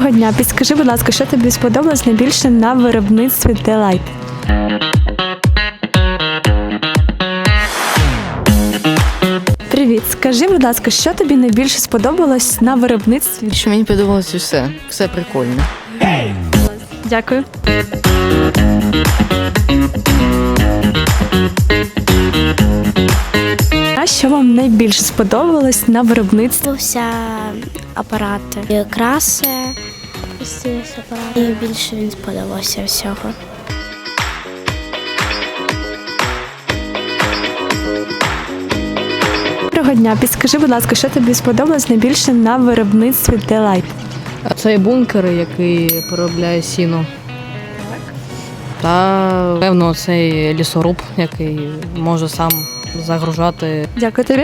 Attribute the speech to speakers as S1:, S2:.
S1: Доброго дня. Підскажи, будь ласка, що тобі сподобалось найбільше на виробництві Delight? Привіт. Скажи, будь ласка, що тобі найбільше сподобалось на виробництві?
S2: Що мені подобалось все прикольно.
S1: Дякую. А що вам найбільше сподобалось на виробництві?
S3: Подобався апарати, і краси, і більше він сподобався всього.
S1: Доброго дня. Підскажи, будь ласка, що тобі сподобалось найбільше на виробництві Delight?
S4: А це бункер, який переробляє сіно. Та, певно, цей лісоруб, який може сам загружати.
S1: Дякую тобі.